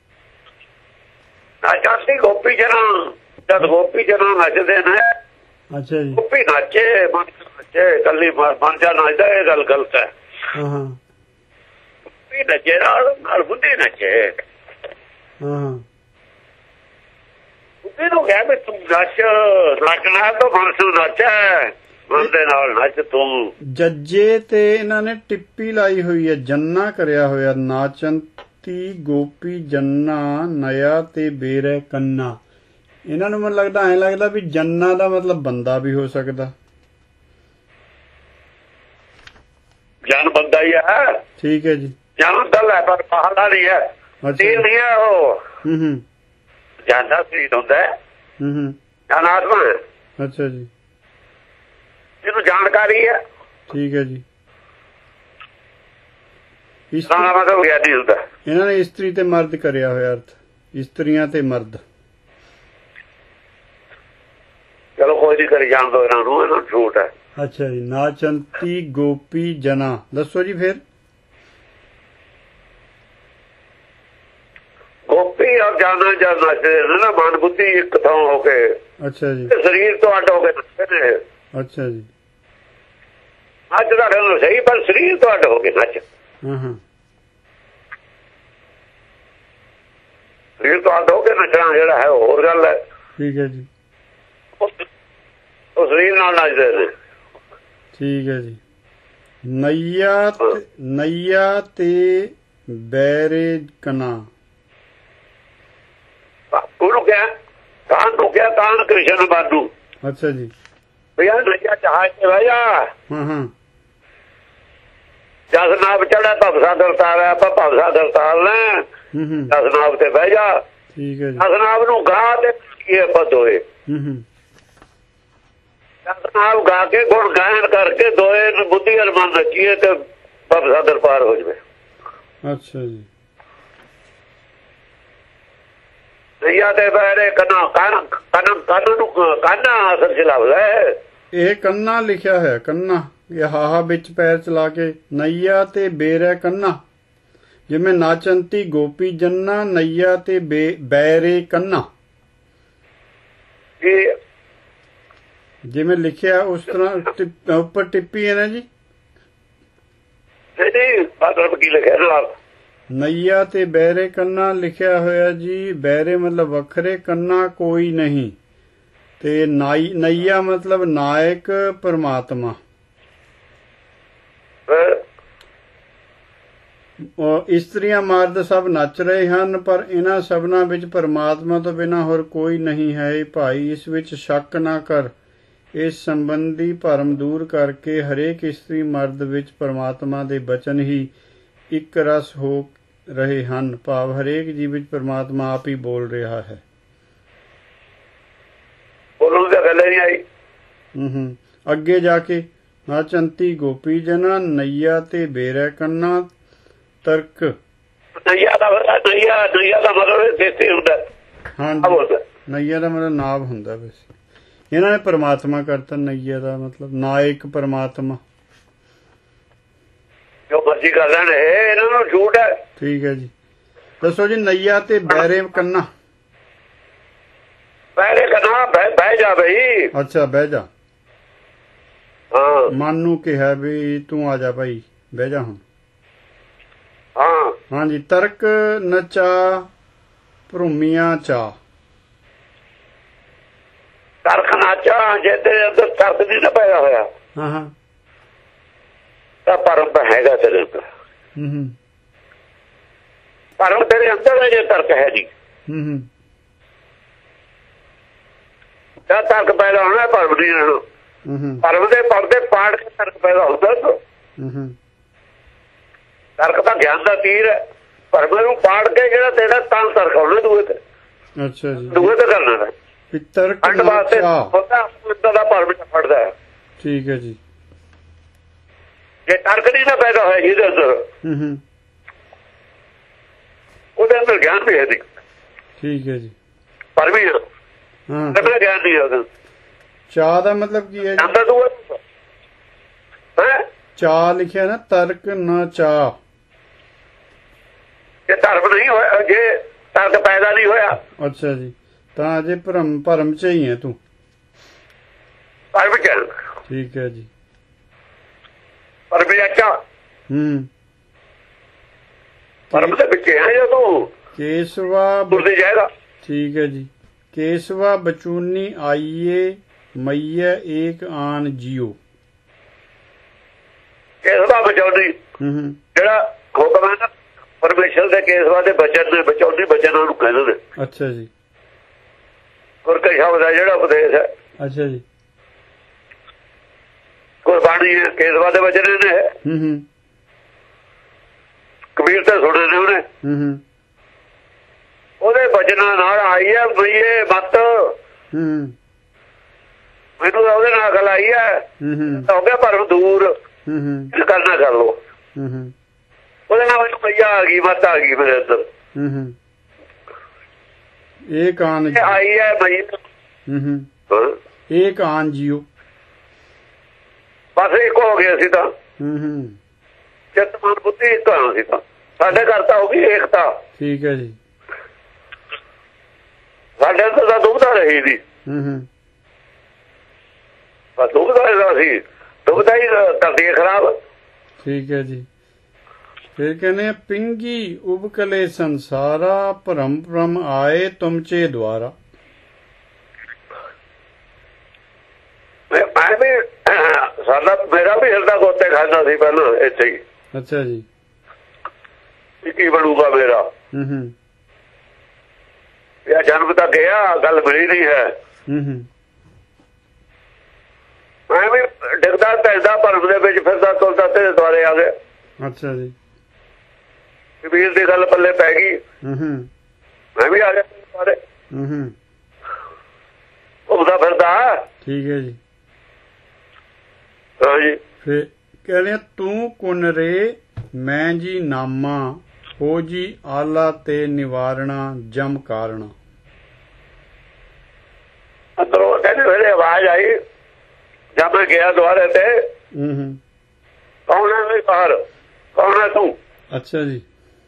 ਨਾਚੰਤੀ ਗੋਪੀ ਜਨਾ, ਜਦ ਗੋਪੀ ਜਨਾ ਨੱਚਦੇ ਨੇ।
ਅੱਛਾ ਜੀ।
ਗੋਪੀ ਨਾਚੇ, ਮਨ ਨੱਚੇ, ਕੱਲੀ ਮਨ ਜਾ ਨੱਚਦਾ, ਇਹ ਗੱਲ ਗਲਤ ਹੈ।
ਹਾਂ
ਗੋਪੀ ਨੱਚੇ ਨਾਲ ਨਾਲ ਬੁੱਢੀ ਨੱਚੇ।
ਹਾਂ
ਬੁੱਢੀ ਨੂੰ ਕਹਿ ਵੀ ਤੂੰ ਨੱਚ, ਨੱਚਣਾ ਤਾਂ ਮਨ ਨੂੰ ਨੱਚ ਹੈ, ਮਨ ਦੇ ਨਾਲ ਨੱਚ ਤੂੰ।
ਜੱਜੇ ਤੇ ਇਹਨਾਂ ਨੇ ਟਿੱਪੀ ਲਾਈ ਹੋਈ ਹੈ, ਜੰਨਾ ਕਰਿਆ ਹੋਇਆ। ਨਾਚੰਤੀ ਗੋਪੀ ਜੰਨਾ ਨਇਆ ਤੇ ਬੇਰੈ ਕੰਨਾ। ਇਹਨਾਂ ਨੂੰ ਮੈਨੂੰ ਲੱਗਦਾ ਐਂ ਲੱਗਦਾ ਵੀ ਜੰਨਾ ਦਾ ਮਤਲਬ ਬੰਦਾ ਵੀ ਹੋ ਸਕਦਾ।
ਜਨ ਬੰਦਾ ਹੀ ਹੈ। ਠੀਕ
ਹੈ ਜੀ।
ਜਨ ਦਲ ਹੈ ਪਰ ਬਾਹਰ ਨਹੀਂ ਹੈ, ਤੀਰ ਨਹੀਂ ਹੈ ਉਹ।
ਹੂੰ ਹੂੰ।
ਜਨ ਦਾ ਸਰੀਰ ਹੁੰਦਾ ਹੈ।
ਹੂੰ ਹੂੰ।
ਜਨ ਆਤਮਾ ਹੈ।
ਅੱਛਾ ਜੀ।
ਜਿਹਨੂੰ ਜਾਣਕਾਰੀ ਹੈ।
ਠੀਕ ਹੈ ਜੀ।
ਮਤਲਬ ਗਿਆਨੀ ਹੁੰਦਾ।
ਇਹਨਾਂ ਨੇ ਇਸਤਰੀ ਤੇ ਮਰਦ ਕਰਿਆ ਹੋਇਆ ਅਰਥ, ਇਸਤਰੀਆਂ ਤੇ ਮਰਦ।
ਚਲੋ ਕੋਈ ਨਹੀਂ ਕਰੀ ਜਾਣ ਦੋ ਇਹਨਾਂ ਨੂੰ, ਇਹਨਾਂ ਨੂੰ ਝੂਠ ਹੈ। ਅੱਛਾ
ਜੀ। ਨਾਚੰਤੀ ਗੋਪੀ ਜਨਾ, ਦੱਸੋ ਜੀ ਫਿਰ।
ਗੋਪੀ ਔਰ ਜਾਨਾ ਜਦ ਨੱਚਦੇ ਨੇ ਨਾ, ਮਨ ਬੁੱਧੀ ਇੱਕ ਥਾਂ ਹੋ ਕੇ।
ਅੱਛਾ ਜੀ।
ਸਰੀਰ ਤੋਂ ਅੱਡ ਹੋ ਕੇ ਨੱਚਦੇ ਨੇ।
ਅੱਛਾ ਜੀ।
ਨੱਚ ਦਾ ਗੱਲ ਸਹੀ, ਪਰ ਸਰੀਰ ਤੋਂ ਅੱਡ ਹੋ ਕੇ ਨੱਚ।
ਹਾਂ ਹਾਂ।
ਸਰੀਰ ਤੋਂ ਅੱਡ ਹੋ ਕੇ ਨੱਚਣਾ ਜਿਹੜਾ ਹੈ ਹੋਰ ਗੱਲ ਹੈ।
ਠੀਕ ਹੈ ਜੀ।
ਉਹ ਸਰੀਰ ਨਾਲ ਨੱਚਦੇ ਨੇ। ਠੀਕ
ਹੈ ਜੀ। ਨਈਆ ਨਈਆ ਤੇ ਬੈਰੇ ਕਨਾ।
ਉਹਨੂੰ ਕਿਹਾ ਕਾਨ ਨੂੰ ਕਿਹਾ, ਕਾਨ ਕ੍ਰਿਸ਼ਨ ਬਾਦੂ।
ਅੱਛਾ ਜੀ।
ਭਈਆ ਨਈਆ ਜਹਾਜ਼ ਤੇ ਬਹਿ ਜਾ।
ਹਾਂ ਹਾਂ।
ਜਸ ਨਾਬ ਚੜਾ ਭਵ ਸਾਗਰ ਤਾਰਿਆ, ਆਪਾਂ ਭਵ ਸਾਗਰ ਤਾਰ ਲੈ। ਜਸ ਨਾਬ ਤੇ ਬਹਿ ਜਾ।
ਠੀਕ ਹੈ ਜੀ।
ਜਸ ਨਾਬ ਨੂੰ ਗਾ ਤੇ ਕੀ ਪਦ ਹੋਏ।
ਹੂੰ ਹੂੰ।
ਜਸ ਨਾਬ ਗਾ ਕੇ ਗੁਣ ਗਾਇਨ ਕਰਕੇ ਦੋਏ ਨੂੰ ਬੁੱਧੀ ਅਰ ਮਨ ਨੱਚੀਏ ਤੇ ਭਵ ਸਾਗਰ ਪਾਰ ਹੋ ਜਾਵੇ।
ਅੱਛਾ ਜੀ।
ਨਈਆ ਤੇ ਬਹਿਰੇ ਕੰਨਾ, ਕੰਨ ਕੰਨ ਕੰਨ ਨੂੰ ਕੰਨਾ ਅਸਲ ਚ ਲੱਭਦਾ ਹੈ। ਇਹ
ਕੰਨਾ ਲਿਖਿਆ ਹੋਇਆ, ਕੰਨਾ। ਇਹ ਹਾਹਾ ਵਿੱਚ ਪੈਰ ਚਲਾ ਕੇ। ਨਈਆ ਤੇ ਬੇਰੈ ਕੰਨਾ, ਜਿਵੇਂ ਨਾਚੰਤੀ ਗੋਪੀ ਜੰਨਾ ਨਈਆ ਤੇ ਬੈਰੇ ਕੰਨਾ, ਜਿਵੇਂ ਲਿਖਿਆ ਉਸ ਤਰ੍ਹਾਂ ਉੱਪਰ ਟਿੱਪੀ ਹੈ ਨਾ ਜੀ।
ਕੀ ਲਿਖਿਆ ਨਾਲ?
ਨਈਆ ਤੇ ਬੈਰੇ ਕੰਨਾ ਲਿਖਿਆ ਹੋਇਆ ਜੀ। ਬੈਰੇ ਮਤਲਬ ਵੱਖਰੇ, ਕੰਨਾ ਕੋਈ ਨਹੀਂ, ਤੇ ਨਾਈ ਨਈਆ ਮਤਲਬ ਨਾਇਕ ਪਰਮਾਤਮਾ। ਇਸਤਰੀਆਂ ਮਰਦ ਸਭ ਨੱਚ ਰਹੇ ਹਨ, ਪਰ ਇਹਨਾਂ ਸਭਨਾਂ ਵਿੱਚ ਪਰਮਾਤਮਾ ਤੋਂ ਬਿਨਾਂ ਹੋਰ ਕੋਈ ਨਹੀਂ ਹੈ। ਭਾਈ ਇਸ ਵਿੱਚ ਸ਼ੱਕ ਨਾ ਕਰ। ਇਸ ਸੰਬੰਧੀ ਭਰਮ ਦੂਰ ਕਰਕੇ ਹਰੇਕ ਇਸਤਰੀ ਮਰਦ ਵਿੱਚ ਪਰਮਾਤਮਾ ਦੇ ਬਚਨ ਹੀ ਇੱਕ ਰਸ ਹੋ ਰਹੇ ਹਨ। ਭਾਵ ਹਰੇਕ ਜੀਵ ਵਿੱਚ ਪਰਮਾਤਮਾ ਆਪ ਹੀ ਬੋਲ ਰਿਹਾ ਹੈ। ਹੂੰ ਹੂੰ। ਅੱਗੇ ਜਾ ਕੇ ਨਾਚੰਤੀ ਗੋਪੀ ਜਨਾ ਨਈਆ ਤੇ ਬੇਰੈ ਕੰਨਾ ਤਰਕ। ਨਈਆ ਦਾ ਨਈਆ ਨਈਆ ਦਾ ਮਤਲਬ ਦੇਸੀ ਹੁੰਦਾ। ਹਾਂ ਨਈਆ ਦਾ ਮਤਲਬ ਨਾਭ ਹੁੰਦਾ। ਵੈਸੇ ਇਹਨਾਂ ਨੇ ਪਰਮਾਤਮਾ ਕਰਤਾ। ਨਈਆ ਦਾ ਮਤਲਬ ਨਾਇਕ ਪਰਮਾਤਮਾ।
ਜੋ ਮਰਜ਼ੀ ਕਰ ਲੈਣ, ਇਹਨਾਂ ਨੂੰ ਝੂਠ ਹੈ।
ਠੀਕ ਹੈ ਜੀ। ਦੱਸੋ ਜੀ। ਨਈਆ ਤੇ ਬੈਰੇ ਕੰਨਾ।
ਬੈਰੇ ਕੰਨਾ ਬਹਿ ਜਾ ਬਈ।
ਅੱਛਾ ਬਹਿ ਜਾ।
ਹਾਂ।
ਮਨ ਨੂੰ ਕਿਹਾ ਵੀ ਤੂੰ ਆ ਜਾ ਭਾਈ, ਬਹਿ ਜਾ ਹੁਣ।
ਹਾਂ
ਹਾਂਜੀ। ਤਰਕ ਨਚਾ ਭਰੂਮੀਆਂ ਚਾ।
ਤਰਕ ਨਾਚਾ, ਜੇ ਤੇਰੇ ਅੰਦਰ ਤਰਕ ਨਹੀਂ ਨਾ ਪੈਦਾ ਹੋਇਆ
ਹਾਂ ਹਾਂ
ਤਾਂ ਭਰਮ ਤਾਂ ਹੈਗਾ ਤੇਰੇ ਅੰਦਰ।
ਹੂੰ ਹੂੰ।
ਭਰਮ ਤੇਰੇ ਅੰਦਰ ਹੈ, ਜੇ ਤਰਕ ਹੈ ਨਹੀਂ।
ਹੂੰ ਹੂੰ।
ਤਾਂ ਤਰਕ ਪੈਦਾ ਹੋਣਾ, ਭਰਮ ਨਹੀਂ ਰਹਿਣਾ। ਭਰਮ ਦੇ ਪਰਦੇ ਪਾੜ ਕੇ ਤਰਕ ਪੈਦਾ ਹੁੰਦਾ।
ਹੂੰ ਹੂੰ।
ਤਰਕ ਤਾਂ ਗਿਆਨ ਦਾ ਤੀਰ ਹੈ, ਭਰਮ ਨੂੰ ਪਾੜ ਕੇ ਜਿਹੜਾ ਤੇਰਾ ਤਾਂ ਤਰਕ ਆਉਣਾ ਦੂਏ ਤੇ।
ਅੱਛਾ ਜੀ,
ਦੂਏ ਤੇ ਕਰਨਾ ਹੈ
ਤਰਕ
ਅੰਡ ਵਾਸਤੇ ਹੁੰਦਾ ਦਾ ਭਰਮ ਚ ਫੜਦਾ ਹੈ।
ਠੀਕ ਹੈ ਜੀ।
ਜੇ ਤਰਕ ਨਹੀਂ ਨਾ ਪੈਦਾ ਹੋਇਆ ਜਿਹਦੇ ਅੰਦਰ,
ਹੂੰ ਹੂੰ,
ਉਹਦੇ ਅੰਦਰ ਗਿਆਨ ਵੀ ਹੈ ਨਹੀਂ।
ਠੀਕ ਹੈ ਜੀ।
ਪਰ ਵੀ
ਹਾਂ,
ਕੱਢਣਾ ਗਿਆਨ ਨਹੀਂ ਉਹਦਾ।
ਚਾਹ ਦਾ ਮਤਲਬ ਕੀ ਹੈ
ਜਾਂਦਾ ਦੂਆ ਹੈ।
ਚਾਹ ਲਿਖਿਆ ਨਾ, ਤਰਕ ਨਾ ਚਾਹ।
ਜੇ ਧਰਮ ਨਹੀਂ ਹੋਇਆ, ਜੇ ਤਰਕ ਪੈਦਾ ਨਹੀਂ ਹੋਇਆ।
ਅੱਛਾ ਜੀ, ਤਾਂ ਅਜੇ ਭਰਮ ਭਰਮ ਚ ਹੀ ਹੈ ਤੂੰ।
ਪਰ ਵੀ ਚੱਲ
ਠੀਕ ਹੈ ਜੀ।
ਪਰ ਵੀ ਅੱਛਾ,
ਹੂੰ,
ਭਰਮ ਦੇ ਵਿੱਚ ਹੈ ਜੋ ਤੂੰ
ਕੇਸਵਾ
ਤੁਰਦੇ ਜਾਏਗਾ।
ਠੀਕ ਹੈ ਜੀ। ਕੇਸਵਾ ਬਚੂਨੀ ਆਈਏ ਮਈਏ ਏਕ ਆਨ ਜੀਓ।
ਕੇਸਵਾ ਬਚਾਉਣੀ
ਹੂੰ ਹੂੰ,
ਜਿਹੜਾ ਹੁਕਮ ਹੈ ਨਾ ਪਰਮੇਸ਼ਰ ਦੇ, ਕੇਸਵਾ ਦੇ ਬਚਨ ਨੇ, ਬਚਾਉਣੀ ਬਚਨਾਂ ਨੂੰ ਕਹਿੰਦੇ ਨੇ।
ਅੱਛਾ ਜੀ।
ਗੁਰ ਕੇ ਸ਼ਬਦ ਹੈ ਜਿਹੜਾ ਉਪਦੇਸ਼ ਹੈ।
ਅੱਛਾ ਜੀ।
ਗੁਰਬਾਣੀ ਹੈ, ਕੇਸਵਾ ਦੇ ਬਚਨ ਨੇ।
ਹੂੰ ਹੂੰ,
ਕਬੀਰ ਤੇ ਸੁਣੇ ਨੇ ਉਹਨੇ।
ਹੂੰ ਹੂੰ,
ਉਹਦੇ ਬਚਨਾਂ ਨਾਲ ਆਈ ਹੈ ਮਈਏ ਮਤ।
ਹੂੰ
ਮੈਨੂੰ ਉਹਦੇ ਨਾਲ ਗੱਲ ਆਈ ਹੈ।
ਹੂੰ ਹੂੰ,
ਹੋ ਗਿਆ ਭਰਮ ਦੂਰ,
ਹੂੰ ਹੂੰ,
ਕਰਨਾ ਕਰ ਲੋ।
ਹੂੰ ਹੂੰ,
ਉਹਦੇ ਨਾਲ ਮੈਨੂੰ ਮਈਆ ਆ ਗਈ, ਮਤ ਆ ਗਈ ਮੇਰੇ ਅੰਦਰ।
ਹੂੰ ਹੂੰ, ਏਕ ਆਨ
ਇਹ ਆਈ ਹੈ ਮਈ।
ਹੂੰ ਹੂੰ, ਏਕ ਆਨ ਜੀਓ।
ਬਸ ਇੱਕ ਹੋ ਗਏ ਅਸੀਂ ਤਾਂ।
ਹੂੰ ਹੂੰ,
ਚਿੱਤ ਮਨ ਬੁੱਧੀ ਇੱਕ ਹੋਣਾ ਸੀ ਤਾਂ। ਸਾਡੇ ਘਰ ਤਾਂ ਹੋ ਗਈ ਏਕਤਾ।
ਠੀਕ ਹੈ ਜੀ।
ਸਾਡੇ ਅੰਦਰ ਤਾਂ ਦੁਬਦਾ ਰਹੀ ਨਹੀਂ।
ਹੂੰ ਹੂੰ,
ਬਸ ਦੁਬਦਾ ਸੀ, ਦੁਬਦਾ ਹੀ ਕਰਦੀ ਖਰਾਬ।
ਠੀਕ ਹੈ ਜੀ। ਫਿਰ ਕਹਿੰਦੇ ਪਿੰਗੀ ਉਬਕਲੇ ਸੰਸਾਰਾ ਭਰਮ ਭਰਮ ਆਏ ਤੁਮਚੇ ਦੁਆਰਾ।
ਮੈਂ ਵੀ ਸਾਡਾ ਮੇਰਾ ਵੀ ਹਿਰਦਾ ਗੋਤੇ ਖਾਂਦਾ ਸੀ ਪਹਿਲਾਂ ਇੱਥੇ ਹੀ।
ਅੱਛਾ ਜੀ।
ਕੀ ਬਣੂਗਾ ਮੇਰਾ।
ਹੂੰ ਹੂੰ,
ਇਹ ਜਨਮ ਤਾਂ ਗਿਆ, ਗੱਲ ਮਿਲੀ ਨਹੀਂ ਹੈ।
ਹੂੰ ਹੂੰ,
ਮੈਂ ਵੀ ਡਿੱਗਦਾ ਢਲਦਾ ਭਰਮ ਦੇ ਵਿੱਚ ਫਿਰਦਾ ਤੁਰਦਾ ਤੇਰੇ ਦੁਆਰੇ ਆ ਗਿਆ।
ਅੱਛਾ ਜੀ।
ਕਬੀਰ ਦੀ ਗੱਲ ਪੱਲੇ ਪੈ ਗਈ,
ਹੂੰ ਹੂੰ,
ਮੈਂ ਵੀ ਆ ਗਿਆ ਦੁਆਰੇ।
ਹੂੰ ਹੂੰ,
ਘੁੰਮਦਾ ਫਿਰਦਾ।
ਠੀਕ ਹੈ ਜੀ।
ਹਾਂਜੀ।
ਫਿਰ ਕਹਿੰਦੇ ਤੂੰ ਕੁਨ ਰੇ ਮੈਂ ਜੀ ਨਾਮਾ ਹੋ ਜੀ ਆਲਾ ਤੇ ਨਿਵਾਰਣਾ ਜਮ ਕਾਰਣਾ।
ਅੰਦਰੋਂ ਕਹਿੰਦੇ ਮੇਰੇ ਆਵਾਜ਼ ਆਈ ਜਦ ਮੈਂ ਗਿਆ ਦੁਆਰੇ ਤੇ।
ਹੂੰ ਹੂੰ,
ਕੌਣ ਹੈ ਵੀ ਬਾਹਰ, ਕੌਣ ਹੈ ਤੂੰ।
ਅੱਛਾ ਜੀ।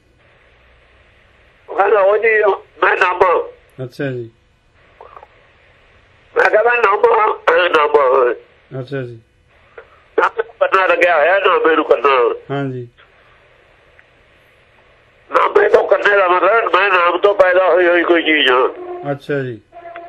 ਕਹਿੰਦਾ ਉਹ ਜੀ ਮੈਂ ਨਾਮਾ।
ਅੱਛਾ ਜੀ।
ਮੈਂ ਕਹਿੰਦਾ ਨਾਮਾ ਨਾਮਾ।
ਅੱਛਾ ਜੀ।
ਕਰਨਾ ਲੱਗਿਆ ਹੋਇਆ ਨਾਮੇ ਨੂੰ ਕਰਨਾ।
ਹਾਂਜੀ।
ਨਾਮੇ ਤੋਂ ਕਰਨੇ ਦਾ ਮਤਲਬ ਮੈਂ ਨਾਮ ਤੋਂ ਪੈਦਾ ਹੋਈ ਹੋਈ ਕੋਈ ਚੀਜ਼ ਹਾਂ।
ਅੱਛਾ ਜੀ।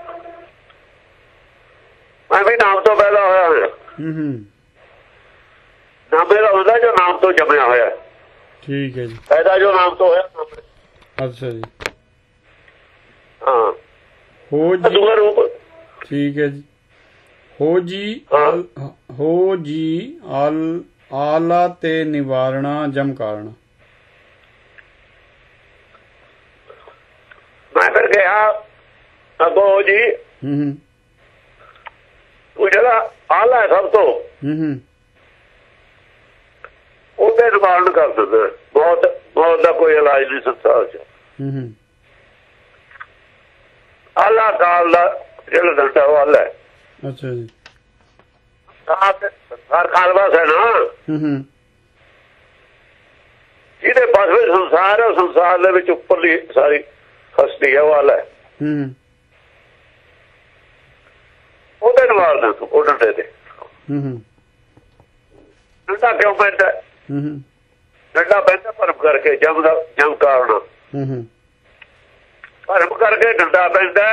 ਮੈਂ ਵੀ ਨਾਮ ਤੋਂ ਪੈਦਾ ਹੋਇਆ ਹੋਇਆ।
ਹੂੰ ਹੂੰ,
ਨਾਮੇ ਦਾ ਹੁੰਦਾ ਜੋ ਨਾਮ ਤੋਂ ਜੰਮਿਆ ਹੋਇਆ।
ਠੀਕ ਹੈ ਜੀ।
ਪੈਦਾ ਜੋ ਨਾਮ ਤੋਂ ਹੋਇਆ।
ਅੱਛਾ ਜੀ।
ਹਾਂ,
ਹੋ ਜੀ।
ਦੂਆ ਰੂਪ।
ਠੀਕ ਹੈ ਜੀ। ਹੋ ਜੀ ਹੋ ਜੀ ਆਲ ਆਲਾ ਤੇ ਨਿਵਾਰਣਾ ਜਮ ਕਾਰਣਾ।
ਮੈਂ ਫਿਰ ਗਿਆ ਅੱਗੋਂ ਜੀ।
ਹੂੰ ਹੂੰ,
ਉਹ ਜਿਹੜਾ ਆਲਾ ਸਭ ਤੋਂ
ਹੂੰ ਹੂੰ,
ਉਹਦੇ ਨਿਵਾਰਨ ਕਰ ਦਿੰਦਾ। ਬਹੁਤ ਬਹੁਤ ਦਾ ਕੋਈ ਇਲਾਜ ਨਹੀਂ ਸੰਸਾਰ ਚ।
ਹੂੰ ਹੂੰ,
ਆਲਾ ਕਾਲ ਦਾ ਜਿਹੜਾ ਡੰਡਾ ਉਹ ਆਲਾ ਹੈ।
ਅੱਛਾ ਜੀ।
ਹਰ ਕਾਲ ਵਾਸ ਹੈ ਨਾ।
ਹੂੰ ਹੂੰ,
ਜਿਹਦੇ ਪਾਸ ਵਿੱਚ ਸੰਸਾਰ ਹੈ, ਸੰਸਾਰ ਦੇ ਵਿੱਚ ਉੱਪਰਲੀ ਸਾਰੀ ਹਸਤੀ ਹੈ ਉਹ ਆਲਾ ਹੈ।
ਹੂੰ ਹੂੰ,
ਉਹਦੇ ਨਿਵਾਰਦਾ ਤੂੰ ਉਹ ਡੰਡੇ ਤੇ।
ਹੂੰ ਹੂੰ,
ਡੰਡਾ ਕਿਉਂ ਪੈਂਦਾ।
ਹੂੰ ਹੂੰ,
ਡੰਡਾ ਪੈਂਦਾ ਭਰਮ ਕਰਕੇ ਜਮ ਦਾ ਜਮ ਕਾਰਨ।
ਹੂੰ ਹੂੰ,
ਭਰਮ ਕਰਕੇ ਡੰਡਾ ਪੈਂਦਾ।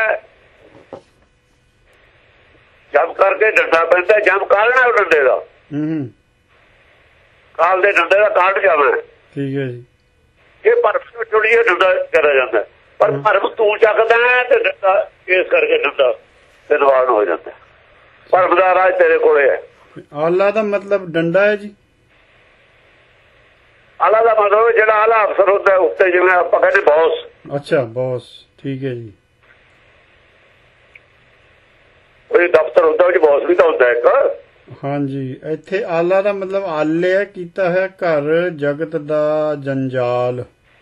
ਜਮ ਕਰਕੇ ਡੰਡਾ ਪੈਂਦਾ। ਜਮ ਕਾਰਨ ਹੈ ਉਹ ਡੰਡੇ ਦਾ।
ਹੂੰ ਹੂੰ,
ਕਾਲ ਦੇ ਡੰਡੇ ਦਾ ਕਾਰਨ ਜਾਣਾ।
ਠੀਕ ਹੈ ਜੀ।
ਇਹ ਭਰਮ ਜੁੜੀਏ ਡੰਡਾ ਕਰਿਆ ਜਾਂਦਾ। ਪਰ ਭਰਮ ਤੂੰ ਚੱਕਦਾ ਤੇ ਡੰਡਾ ਇਸ ਕਰਕੇ ਡੰਡਾ ਤੇ ਨਿਵਾਰਨ ਹੋ ਜਾਂਦਾ। ਭਰਮ ਦਾ ਰਾਜ ਤੇਰੇ ਕੋਲੇ ਹੈ।
ਆਲਾ ਦਾ ਮਤਲਬ ਡੰਡਾ ਹੈ ਜੀ।
ਆਲਾ ਦਾ ਮਤਲਬ ਜਿਹੜਾ ਆਲਾ ਅਫਸਰ ਹੁੰਦਾ ਉੱਤੇ, ਜਿਵੇਂ ਆਪਾਂ ਕਹਿੰਦੇ ਬੌਸ।
ਅੱਛਾ, ਬੌਸ, ਠੀਕ ਹੈ ਜੀ।
ਕੋਈ ਦਫ਼ਤਰ ਹੁੰਦਾ ਉਹ ਬੌਸ ਵੀ ਤਾਂ ਹੁੰਦਾ ਇੱਕ।
ਹਾਂਜੀ, ਇੱਥੇ ਆਲਾ ਦਾ ਮਤਲਬ ਆਲਿਆ ਕੀਤਾ ਹੈ ਘਰ ਜਗਤ ਦਾ ਜੰਜਾਲ।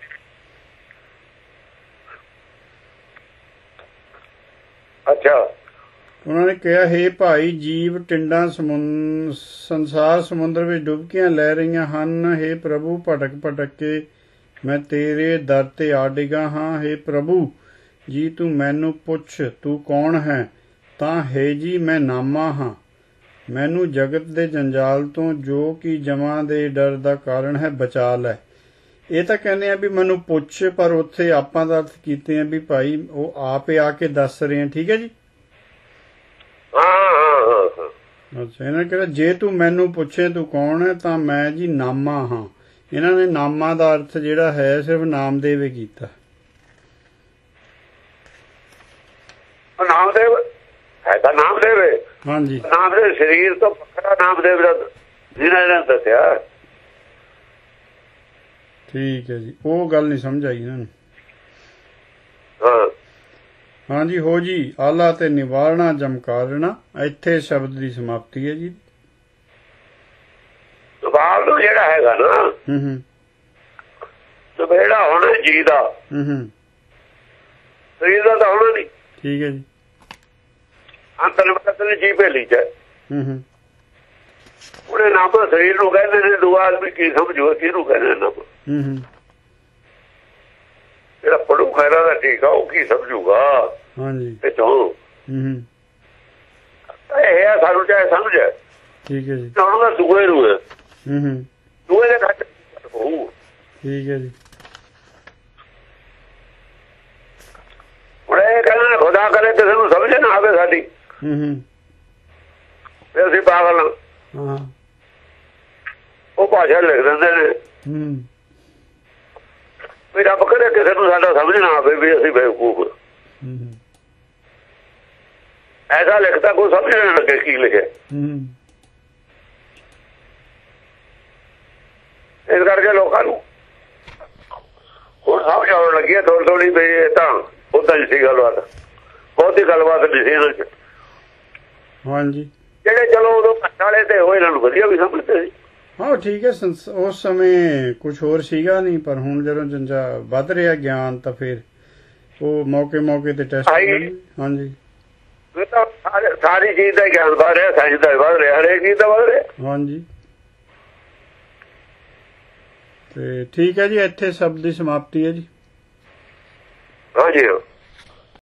ਅੱਛਾ,
ਉਹਨਾਂ ਨੇ ਕਿਹਾ, ਹੇ ਭਾਈ, ਜੀਵ ਟਿੰਡਾਂ ਸੰਸਾਰ ਸਮੁੰਦਰ ਵਿੱਚ ਡੁਬਕੀਆਂ ਲੈ ਰਹੀਆਂ ਹਨ। ਹੇ ਪ੍ਰਭੂ, ਭਟਕ ਭਟਕ ਕੇ ਮੈਂ ਤੇਰੇ ਦਰ ਤੇ ਆ ਡਿੱਗਾ ਹਾਂ। ਹੇ ਪ੍ਰਭੂ ਜੀ, ਤੂੰ ਮੈਨੂੰ ਪੁੱਛ, ਤੂੰ ਕੌਣ ਹੈ? ਤਾਂ ਹੈ ਜੀ, ਮੈਂ ਨਾਮਾ ਹਾਂ। ਮੈਨੂੰ ਜਗਤ ਦੇ ਜੰਜਾਲ ਤੋਂ, ਜੋ ਕਿ ਜਮਾਂ ਦੇ ਡਰ ਦਾ ਕਾਰਨ ਹੈ, ਬਚਾ ਲੈ। ਇਹ ਤਾਂ ਕਹਿੰਦੇ ਆ ਵੀ ਮੈਨੂੰ ਪੁੱਛ, ਪਰ ਉੱਥੇ ਆਪਾਂ ਦਾ ਅਰਥ ਕੀਤੇ ਆ ਵੀ ਭਾਈ ਉਹ ਆਪੇ ਆ ਕੇ ਦੱਸ ਰਹੇ ਆ। ਠੀਕ ਹੈ ਜੀ। ਅੱਛਾ, ਇਹਨਾਂ ਨੇ ਕਿਹਾ, ਜੇ ਤੂੰ ਮੈਨੂੰ ਪੁੱਛੇ ਤੂੰ ਕੌਣ ਹੈ, ਤਾਂ ਮੈਂ ਜੀ ਨਾਮਾ ਹਾਂ। ਇਹਨਾਂ ਨੇ ਨਾਮਾ ਦਾ ਅਰਥ ਜਿਹੜਾ ਹੈ ਸਿਰਫ ਨਾਮਦੇਵ ਕੀਤਾ।
ਨਾਮਦੇਵ ਹੈ ਤਾਂ ਨਾਮਦੇਵ ਹੈ।
ਹਾਂਜੀ,
ਨਾਮਦੇਵ ਸਰੀਰ ਤੋਂ ਵੱਖਰਾ ਨਾਮਦੇਵ ਦਾ ਜਿਹਨਾਂ ਨੇ ਦੱਸਿਆ।
ਠੀਕ ਹੈ ਜੀ, ਉਹ ਗੱਲ ਨਹੀਂ ਸਮਝ ਆਈ ਇਹਨਾਂ ਨੂੰ।
ਹਾਂ
ਹਾਂਜੀ, ਹੋ ਜੀ। ਆਲਾ ਤੇ ਨਿਵਾਰਣਾ ਜਮਕਾਰਣਾ, ਇੱਥੇ ਸ਼ਬਦ ਦੀ ਸਮਾਪਤੀ ਹੈ ਜੀ।
ਨਿਵਾਰਨ ਨੂੰ ਜਿਹੜਾ ਹੈਗਾ ਨਾ,
ਹੂੰ ਹੂੰ,
ਜਿਹੜਾ ਹੋਣਾ ਜੀ ਦਾ,
ਹੂੰ ਹੂੰ,
ਸਰੀਰ ਦਾ ਤਾਂ ਹੋਣਾ ਨਹੀਂ।
ਠੀਕ ਹੈ ਜੀ।
ਅੰਤਰਮਤ ਨੇ ਜੀ ਭੇਲੀ ਚ।
ਹੂੰ ਹੂੰ,
ਉਹਨੇ ਨਾਮ ਸਰੀਰ ਨੂੰ ਕਹਿੰਦੇ ਨੇ, ਦੂਆ ਆਦਮੀ ਕੀ ਸਮਝੋ ਕਿਹਨੂੰ ਕਹਿੰਦੇ ਨਾਮ।
ਹੂੰ ਹੂੰ,
ਜਿਹੜਾ ਪੜੂ ਖੈਰਾ ਦਾ ਠੀਕ ਆ, ਉਹ ਕੀ ਸਮਝੂਗਾ?
ਹਾਂਜੀ,
ਤੇ ਚੋਂ
ਹੂੰ ਹੂੰ,
ਇਹ ਆ ਸਾਨੂੰ ਚਾਹੇ ਸਮਝ ਹੈ।
ਠੀਕ ਹੈ ਜੀ।
ਉਹਨਾਂ ਦਾ ਦੂਏ ਨੂੰ ਹੈ,
ਹੂੰ ਹੂੰ,
ਦੂਏ ਦੇ ਘੱਟ ਹੋਊ।
ਠੀਕ ਹੈ ਜੀ।
ਹੁਣ ਇਹ ਕਹਿੰਦੇ ਖੁਦਾ ਕਰੇ ਕਿਸੇ ਨੂੰ ਸਮਝ ਨਾ ਆਵੇ ਸਾਡੀ,
ਹੂੰ ਹੂੰ,
ਫਿਰ ਅਸੀਂ ਪਾਗਲ ਹਾਂ।
ਹਾਂ,
ਉਹ ਭਾਸ਼ਾ ਲਿਖ ਦਿੰਦੇ ਨੇ
ਹੂੰ,
ਵੀ ਰੱਬ ਕਰੇ ਕਿਸੇ ਨੂੰ ਸਾਡਾ ਸਮਝ ਨਾ ਆਵੇ ਵੀ ਅਸੀਂ ਬੇਵਕੂਫ।
ਹੂੰ ਹੂੰ,
ਐਸਾ ਲਿਖਦਾ ਕੋਈ ਸਮਝ ਨਾ ਲੱਗੇ ਕੀ ਲਿਖਿਆ।
ਹੂੰ,
ਇਸ ਕਰਕੇ ਲੋਕਾਂ ਨੂੰ ਹੁਣ ਸਮਝ ਆਉਣ ਲੱਗੀ ਹੈ ਥੋੜੀ ਥੋੜੀ ਵੀ ਇਹ ਤਾਂ ਉਦਾਂ ਹੀ ਸੀ ਗੱਲਬਾਤ, ਬਹੁਤੀ ਗੱਲਬਾਤ ਨਹੀਂ ਸੀ ਇਹਨਾਂ ਚ।
ਹਾਂਜੀ,
ਜਿਹੜੇ ਚਲੋ ਉਦੋਂ ਘੱਟ ਵਾਲੇ ਤੇ ਉਹ ਇਹਨਾਂ ਨੂੰ ਵਧੀਆ ਵੀ ਸਮਝਦੇ ਸੀ।
ਹਾਂ ਠੀਕ ਹੈ। ਉਸ ਸਮੇਂ ਕੁਝ ਹੋਰ ਸੀਗਾ ਨਹੀਂ, ਪਰ ਹੁਣ ਜਦੋਂ ਜੰਜਾ ਵੱਧ ਰਿਹਾ ਗਿਆਨ, ਤਾਂ ਫਿਰ ਉਹ ਮੌਕੇ ਮੌਕੇ ਤੇ ਟੈਸਟ। ਹਾਂਜੀ,
ਤਾਂ ਸਾਰੀ ਚੀਜ਼ ਦਾ ਗਿਆਨ ਵੱਧ ਰਿਹਾ, ਸਾਇੰਸ ਦਾ ਵੱਧ ਰਿਹਾ, ਹਰੇਕ ਚੀਜ਼ ਦਾ ਵੱਧ ਰਿਹਾ।
ਹਾਂਜੀ, ਤੇ ਠੀਕ ਹੈ ਜੀ, ਇੱਥੇ ਸ਼ਬਦ ਦੀ ਸਮਾਪਤੀ ਹੈ ਜੀ।
ਹਾਂਜੀ।